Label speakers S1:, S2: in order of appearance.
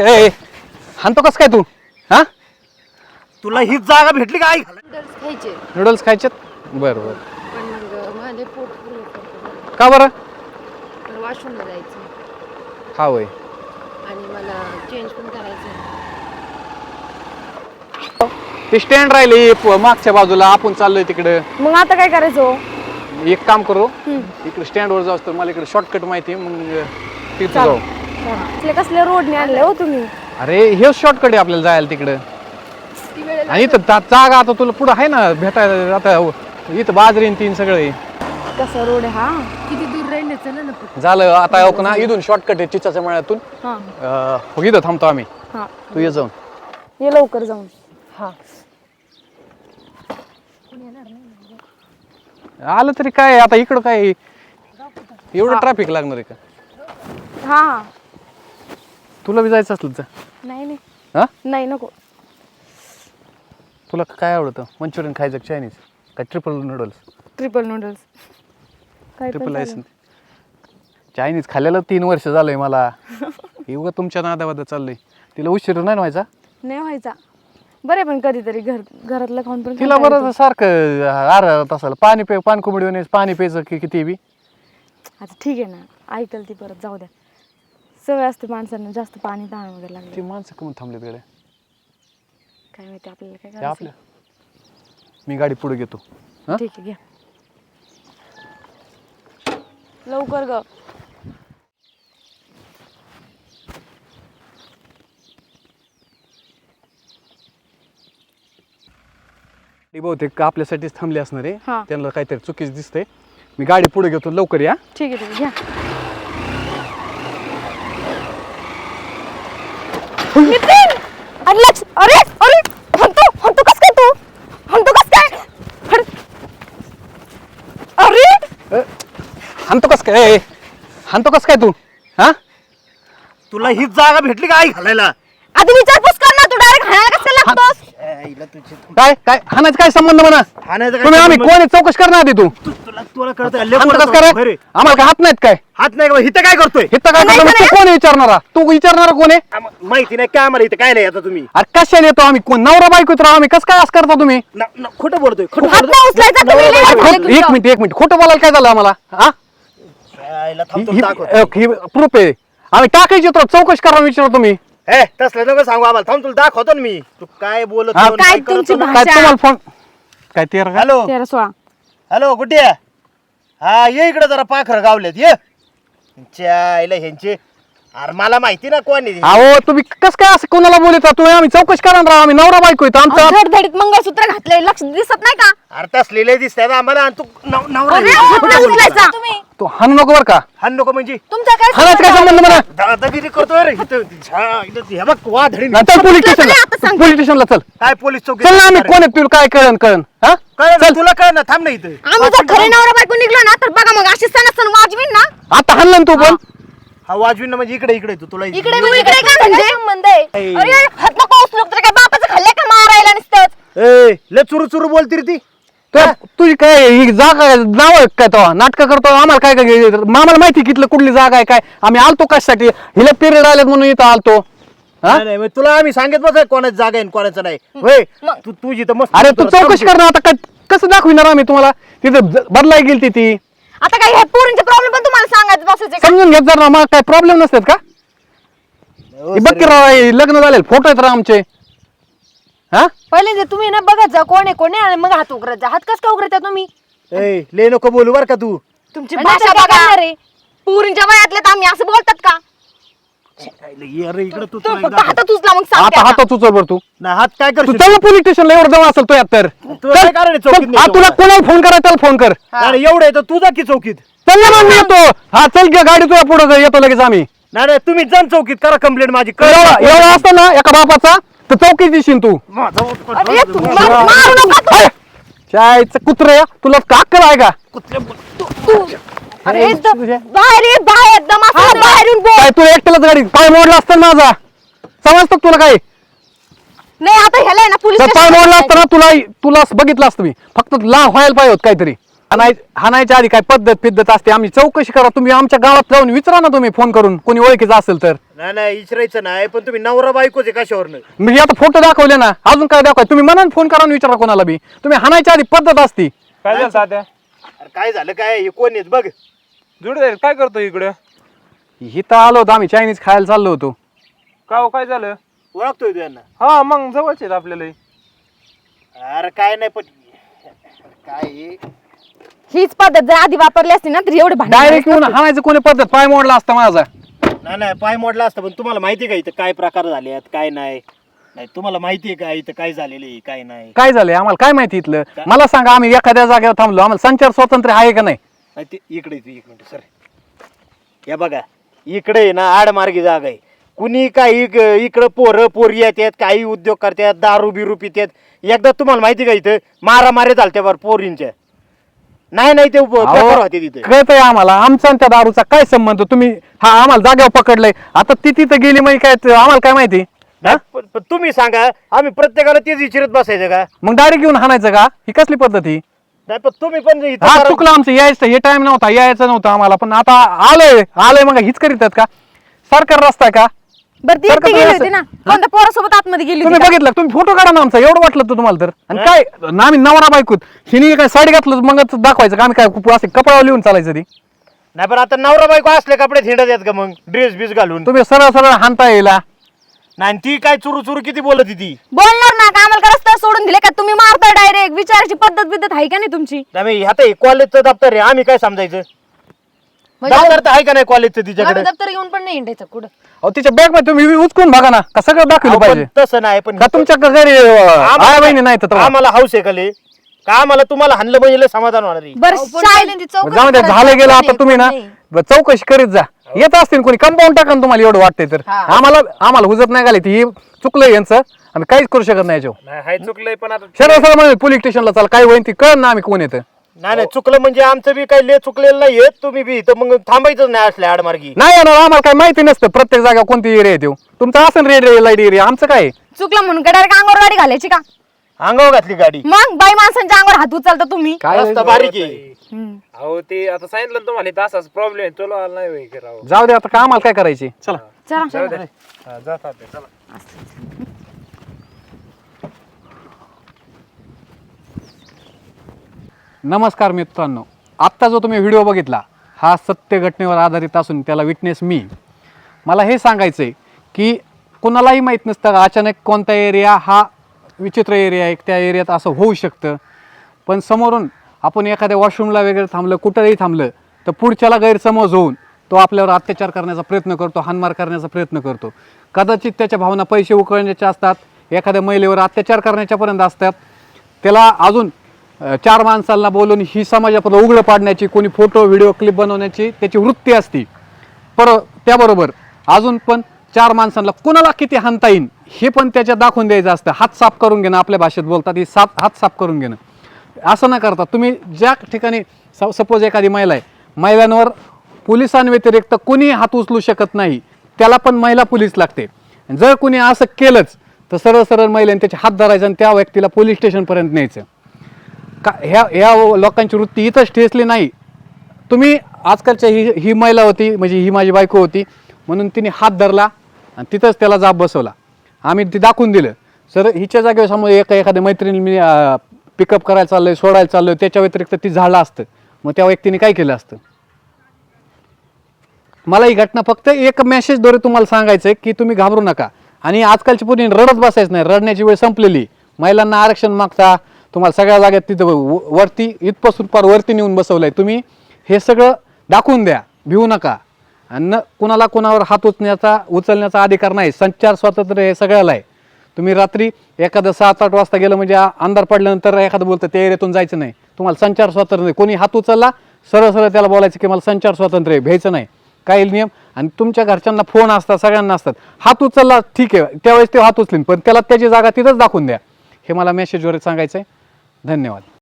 S1: काय हाणतो कस काय तू? हा
S2: तुला हीच जागा भेटली का आई?
S3: नूडल्स खायचे
S1: नूडल्स खायचेत? बरं बरं.
S3: पण मग माझे पोट फुल होतं.
S1: का बरं?
S3: मला वॉशरूमला जायचं
S1: हा वय.
S3: आणि मला चेंज पण करायचं.
S1: ते स्टँड राहिली मागच्या बाजूला, आपण चाललोय तिकडे.
S4: मग आता काय करायचं?
S1: एक काम करू, इकडे स्टँड वर जाऊ तर मला इकडे शॉर्टकट माहिती आहे, मग तिथे जाऊ.
S4: कसले कसले रोडने आणले हो तुम्ही?
S1: अरे हे शॉर्टकट आहे आपल्याला जायला तिकडं. आणि इथं जागा आता तुला पुढं आहे ना भेटायला. आता इथं बाजरी तीन सगळे
S4: कसा रोड आहे हा?
S3: किती दूर राहिले चला ना.
S1: झालं आता हो ना, इथून शॉर्टकट आहे चिचाच्या मळ्यातून. इथं थांबतो आम्ही. तू ये जाऊन
S4: ये लवकर जाऊन.
S1: आलं तरी काय आता इकडं काय एवढं ट्रॅफिक लागणार आहे का?
S4: हा
S1: तुला बी जायचं असलं तर?
S4: नाही
S1: हा
S4: नाही नको.
S1: तुला काय आवडतं? मंचुरियन खायचं, चायनीज काय ट्रिपल नूडल्स?
S4: Triple noodles. काय
S1: ट्रिपल लायसन चायनीज खाल्लेलं 3 वर्ष झालंय मला. एवढं तुमच्या नादावादा चाललंय. तिला उशीर नाही व्हायचा?
S4: नाही व्हायचा. बरे पण कधीतरी घरातलं खाऊन पण
S1: तिला बरं सारखं अर्धा तासाला पाणी पानकुंबडी पाणी प्यायचं की किती बी.
S4: आता ठीक आहे ना, ऐकल ती परत, जाऊ द्या. सवय असते माणसांना जास्त पाणी ताण वगैरे लागले.
S1: ती माणसं कमी थांबलेत गड्या.
S4: काय माहिती आपल्याला काय
S1: ते
S4: करायचं.
S1: आपल्या मी गाडी पुढे घेतो.
S4: ठीक आहे घ्या लवकर ग.
S1: बहुतेक आपल्यासाठीच थांबले असणार आहे.
S4: हा.
S1: त्यांना काहीतरी चुकीच दिसतंय. मी गाडी पुढे घेतो, लवकर या.
S4: ठीक आहे घ्या. नितीन! अरे लक्ष, अरे अरे हंतो कस काय तू? हंतो कस काय? अरे
S1: हाणतो कस काय? हाणतो कस काय तू? हा
S2: तुला हीच जागा भेटली का आई घालायला?
S4: आधी विचारपूस कर ना, तू डायरेक्ट हाणायला कसं लागतोस?
S2: आईला तुझी
S1: काय काय हाणायचं काय संबंध म्हणा?
S2: हाणायचं काय
S1: तुम्ही आम्ही
S2: संबंध?
S1: कोण आहे चौकशी करणार आधी तू.
S2: तुला कळतं
S1: हाणतो कस काय रे? आम्हाला काय हात नाहीत काय?
S2: हात नाही का? इथं काय करतोय?
S1: इथं काय करतो? तू कोण आहे विचारणारा? तू विचारणारा कोण आहे?
S2: माहिती नाही काय आम्हाला इथं काय नाही आता तुम्ही
S1: अरे कशाने येतो आम्ही? कोण नवरा बायको राव आम्ही? कसं काय असं करता तुम्ही?
S2: खोटं बोलतोय. खोटं
S4: हात नाही उचलायचा तुम्ही, लय वाईट झालं तुमचं.
S1: एक मिनिट खोटं बोलायला काय झालं आम्हाला? हा
S2: आईला थांब दाखव.
S1: प्रूफ आहे. आम्ही टाकायची तर चौकशी करा विचारा तुम्ही.
S2: हे तसलं नको सांगू आम्हाला. थांब तुला दाखवतो ना मी. तू काय बोलत
S1: हा,
S2: होतो,
S4: काय
S2: करत
S4: तुमची
S2: होतो.
S1: काय तुम्हाला फोन काय ते का?
S2: हॅलो
S4: 13-16.
S2: हॅलो कुठे आहे? हा ये इकडे जरा पाखरं गावलेत ये. आईला ह्यांचे अरे मला माहिती ना कोण आहे.
S1: अहो तुम्ही कस काय असं कोणाला बोलता? तुम्ही आम्ही चौकशी करा राव. आम्ही नवरा बायको येतो आमचा.
S4: धडधडीत मंगळसूत्र घातलंय, लक्ष दिसत नाही का?
S2: अरे तसलेले दिसतात आम्हाला आणि तू नवरा
S4: अरे,
S2: आहे.
S4: हात नाही उचलायचा तुम्ही.
S1: तो हाणू नको बर का?
S2: हाण नको म्हणजे
S4: तुमचा काय
S1: हाणायचं काय संबंध म्हणा?
S2: दादागिरी करतोय रे इथं. हे बघ वा धडी
S1: चल पोलीस स्टेशनला.
S4: आता सांग.
S1: पोलीस स्टेशनला चल.
S2: काय पोलीस चौकी
S1: चल ना आम्ही कोण आहे तुला काय कळण हा?
S2: काय
S1: चल.
S2: तुला काय ना थांब ना इथं.
S4: आम्ही जर खरे नवरा बायको निघलो ना, तर बघा मग अशी सण वाजवीन ना.
S1: आता हाणलं ना तू पण.
S2: हा वाजवीन ना म्हणजे इकडे इकडे तुला
S4: इकडे काय म्हणजे संबंध आहे?
S2: ऐ.
S4: अरे हात नको उचलू, तर काय बापाचं खाल्लंय का मारायला नुसतंच?
S2: ए ले चुरू चुरू बोलती रे ती.
S1: तुझी काय ही जागा नाव आहे काय तो नाटक करतो? आम्हाला काय काय आम्हाला माहिती कितलं कुठली जागा आहे काय? आम्ही आलतो कशासाठी? हिला पिरियड आलेत म्हणून इथं आलतो. हा?
S2: नाही मग तुला आम्ही सांगत बस कोणाची जागा आहे कोणाचं नाही. होय तू तुझी तर मस्त.
S1: अरे तू चौकशी कर ना आता. काय कसं दाखविणार आम्ही तुम्हाला? तिथं बदलाय गेली ती.
S4: आता काय हे पोरींचे प्रॉब्लेम पण तुम्हाला सांगायचं बसायचे का?
S1: समजून घेत जर ना. मग काय प्रॉब्लेम नसतात का?
S2: हो,
S1: हे बघ की राव, हे लग्न झालेले फोटो आहेत राव आमचे. हा
S4: पहिले जे तुम्ही ना बघत जा कोण आहे आणि मग हात उघडत जा. हात कस का उघडता तुम्ही?
S2: ए ले नको बोलू बर का तू.
S4: तुमची भाषा बघा रे. पोरींच्या वयातले तर आम्ही असं बोलतात का?
S2: अरे इकडे तू
S4: तू फक्त हातात उचला मग सांगते
S1: आता
S4: आता.
S1: हातात उचल बर तू.
S2: नाही हात काय
S1: तू
S2: करशील?
S1: चल पोलीस स्टेशनला. एवढं जवळ असेल तो यात तर.
S2: तुला काय कारण आहे चौकीत
S1: चल, हा,
S2: नाही
S1: तुला
S2: जाऊ?
S1: कोणाला फोन करा त्याला फोन कर.
S2: अरे एवढं आहे तर तू जा की चौकीत.
S1: चल ना मग मी येतो. हा चल घे गाडी तुझ्या पुढे येतो लगेच आम्ही.
S2: नाही तुम्ही जा चौकीत करा कंप्लेंट माझी.
S1: एवढा असतो ना एका बापाचा तर चौकीत दिशील तू.
S4: अरे तू मारू नका तू.
S1: चायचं कुत्र तुला काक्कल आहे का?
S4: अरे बाहेर ये, बाहेर एकदम असं बाहेरून बोल.
S1: काय तू एकट्यालाच गाडी पाय मोडला असतं ना माझा? समजतं का तुला काय?
S4: नाही आता ह्याला आहे ना पोलीस
S1: तर पाय मोडला असतं ना तुला बघितलं असतं मी. फक्त लांब व्हायला पाहिजे होत काहीतरी. हाणायच्या आधी काय पद्धत असते, आम्ही चौकशी करा. तुम्ही आमच्या गावात जाऊन विचारा ना, तुम्ही फोन करून कोणी ओळखीचं असेल तर.
S2: नाही विचारायचं नाही, पण तुम्ही नवरा बायकोच आहे कशावरनं?
S1: मी आता फोटो दाखवले ना, अजून काय दाखवाय? तुम्ही मनान फोन करा आणि विचारा कोणाला बी. तुम्ही हाणायच्या आधी पद्धत असती.
S5: काय झालं तात्या?
S2: अरे काय झालं काय? हे कोण आहेत बघ.
S5: जुडे काय करतो इकडे?
S1: इथं आलो होतो आम्ही, चायनीज खायला चाललो होतो.
S5: का हो, काय झालं?
S2: ओळखतोय तू यांना?
S5: हा मग जवळचे आहेत आपल्याला.
S2: अरे काय नाही, पण काय हे?
S4: हीच पद्धत जर आधी वापरली असती ना तर एवढे भांडण
S1: डायरेक्ट येऊन हाणायचं कोणी पद्धत, पाय मोडला असता माझा.
S2: नाही पाय मोडला असतं, पण तुम्हाला माहिती आहे का इथं काय प्रकार झाले आहेत काय नाही? नाही तुम्हाला माहिती आहे का इथं काय झालेलं आहे काय नाही?
S1: काय झालंय आम्हाला काय माहिती इथलं? मला सांगा, आम्ही एखाद्या जागेवर थांबलो, आम्हाला संचार स्वातंत्र्य आहे का नाही?
S2: नाही ते इकडे एक मिनिट सर, या बघा इकडे आहे ना आडमार्गी जागा आहे. कुणी काही इकडं पोरं पोरी येतात, काही उद्योग करतात, दारू बिरू पितात. एकदा तुम्हाला माहिती का इथं मारामारी चालते बरं पोरींच्या. नाही ते प्रकार होते तिथे.
S1: कळतंय आम्हाला, आमचा आणि त्या दारूचा काय संबंध? तुम्ही हा आम्हाला जागेवर पकडलंय, आता ती तिथं गेली मग काय आम्हाला काय माहिती?
S2: पण तुम्ही सांगा, आम्ही प्रत्येकाला तेच विचारत बसायचं का?
S1: मग डायरेक्ट येऊन हाणायचं का? ही कसली पद्धत ही?
S2: नाही पण तुम्ही पण इथं
S1: हा
S2: करा-
S1: चुकलं आमचं, यायचं हे टाइम नव्हता, यायचं नव्हतं आम्हाला. पण आता आलोय मग हीच करीतात का? सरकार रस्ता आहे का?
S4: बरं ती
S1: सारखं
S4: एकटी गेली
S1: असं-
S4: होती ना, कोणत्या पोरासोबत आतमध्ये गेली
S1: तुम्ही
S4: होती का?
S1: बघितलं, तुम्ही फोटो काढा ना आमचा, एवढं वाटलं तर तुम्हाला तर. आणि काय ना आम्ही नवरा बायकोत, हिने काय साडी घातलं मग दाखवायचं का? आम्ही काय असे कपड्यावर लिहून चालायचं ती?
S2: नाही पण आता नवरा बायको असले कपडे हिंडत आहेत का मग ड्रेस बीस घालून?
S1: तुम्ही सरळ हाणता येईल.
S2: नाही ती काय चुरू किती बोलत होती ती.
S4: बोलणार ना का? आम्हाला का रस्ता सोडून दिले का? तुम्ही मारता डायरेक्ट. विचारायची पद्धत आहे का नाही तुमची?
S2: नाही आता कॉलेजचं दप्तर आहे, आम्ही काय समजायचं? दप्तर तर आहे का नाही कॉलेजचं तिच्याकडे?
S3: दप्तर घेऊन पण नाही हिंडायचं कुठं.
S1: अहो तिच्या बॅग मध्ये तुम्ही उचकून बघा ना, का सगळं दाखवलं
S2: अहो, पण
S1: पाहिजे
S2: तसं नाही, पण
S1: का? तुमच्या घरी आई बहिणी नाही तर
S2: आम्हाला हाऊस आहे का लय? का आम्हाला तुम्हाला हाणलं म्हणजे लय समाधान होणार आहे?
S4: बरं
S3: अहो, पण
S4: शाळेत
S3: पहिल्यांदा चौकशी
S1: जाऊ द्या,
S3: करायची.
S1: झालं गेलं. आता
S3: नाही,
S1: तुम्ही ना
S3: नाही.
S1: चौकशी करीत जा. येत असतील कोणी कंपाऊंड टाका ना, तुम्हाला एवढं वाटतंय तर.
S3: हा.
S1: आम्हाला हुजत नाही घाली ती, चुकलं यांचं, आम्ही काहीच करू शकत नाही याच्यावर.
S5: नाही हाय चुकलंय, पण आता
S1: सरळ म्हणजे पोलीस स्टेशनला चाल, काय होईल ती कळ ना, आम्ही कोण येतं.
S2: नाही चुकलं म्हणजे आमचं बी काही लय चुकलेलं नाहीये. तुम्ही बी इथं मग थांबायचंच नाही असल्या आडमार्गी.
S1: नाही येणार, आम्हाला काय माहिती नसतं प्रत्येक जागा कोणती एरिया येतो. तुमचा असेल रेड लाईट एरिया, आमचं काय?
S4: चुकलं म्हणून का डायरेक्ट अंगावर गाडी घालायची का?
S2: अंगावर घातली गाडी.
S4: मग बाई माणसांच्या अंगावर हात उचलता तुम्ही.
S1: काय
S2: रस्ता बारीक आहे.
S5: अहो ते आता सांगितलं ना तुम्हाला, इथं असाच प्रॉब्लेम आहे. चलो आला नाही होय राव.
S1: जाऊ दे आता, काय आम्हाला काय करायची? चला.
S4: चला
S5: जाऊ दे. हा, जा तात्या, चला.
S1: नमस्कार मित्रांनो, आत्ता जो तुम्ही व्हिडिओ बघितला हा सत्य घटनेवर आधारित असून त्याला विटनेस मी. मला हे सांगायचं आहे की कुणालाही माहीत नसतं अचानक कोणता एरिया हा विचित्र एरिया आहे, त्या एरियात असं होऊ शकतं. पण समोरून आपण एखाद्या वॉशरूमला वगैरे थांबलं, कुठंही थांबलं तर पुढच्याला गैरसमज होऊन तो आपल्यावर अत्याचार करण्याचा प्रयत्न करतो, हाणमार करण्याचा प्रयत्न करतो. कदाचित त्याच्या भावना पैसे उकळण्याच्या असतात, एखाद्या महिलेवर अत्याचार करण्याच्यापर्यंत असतात. त्याला अजून 4 माणसांना बोलून ही समाजापुढे उघडं पाडण्याची, कोणी फोटो व्हिडिओ क्लिप बनवण्याची त्याची वृत्ती असते. त्याबरोबर अजून पण 4 माणसांना कुणाला किती हाणता येईल हे पण त्याच्यात दाखवून द्यायचं असतं. हात साफ करून घेणं, आपल्या भाषेत बोलतात ही हात साफ करून घेणं. असं न करता तुम्ही ज्या ठिकाणी सपोज एखादी महिला आहे, महिलांवर पोलिसांव्यतिरिक्त कोणी हात उचलू शकत नाही, त्याला पण महिला पोलीस लागते. जर कोणी असं केलंच तर सरळ महिलांनी त्याचे हात धरायचं आणि त्या व्यक्तीला पोलीस स्टेशनपर्यंत न्यायचं. का ह्या लोकांची वृत्ती इथंच ठेचली नाही. तुम्ही आजकालच्या ही महिला होती, म्हणजे ही माझी बायको होती म्हणून तिने हात धरला आणि तिथंच त्याला जाब बसवला. आम्ही ती दाखवून दिलं. सर हिच्या जागेवर समोर एखाद्या मैत्रिणी मी पिकअप करायला चाललोय, सोडायला चाललोय, त्याच्या व्यतिरिक्त ती झाडलं असतं, मग त्या व्यक्तीने काय केलं असतं? मला ही घटना फक्त एक मेसेजद्वारे तुम्हाला सांगायचं आहे की तुम्ही घाबरू नका. आणि आजकालची पुढे रडत बसायचं नाही, रडण्याची वेळ संपलेली. महिलांना आरक्षण मागता, तुम्हाला सगळ्या जागेत तिथं वरती इथपासून पार वरती नेऊन बसवलंय. तुम्ही हे सगळं दाखवून द्या, भिवू नका. आणि कुणाला कुणावर हात उचलण्याचा अधिकार नाही. संचार स्वातंत्र्य हे सगळ्याला आहे. तुम्ही रात्री एखादं 7-8 वाजता गेलं म्हणजे अंधार पडल्यानंतर एखादं बोलतं त्या एरियातून जायचं नाही. तुम्हाला संचार स्वातंत्र्य नाही. कोणी हात उचलला सरळ त्याला बोलायचं की मला संचार स्वातंत्र्य आहे, भ्यायचं नाही. काही नियम. आणि तुमच्या घरच्यांना फोन असतात, सगळ्यांना असतात. हात उचलला ठीक आहे, त्यावेळेस ते हात उचलीन, पण त्याला त्याची जागा तिथंच दाखवून द्या. हे मला मेसेजवर सांगायचं आहे. धन्यवाद.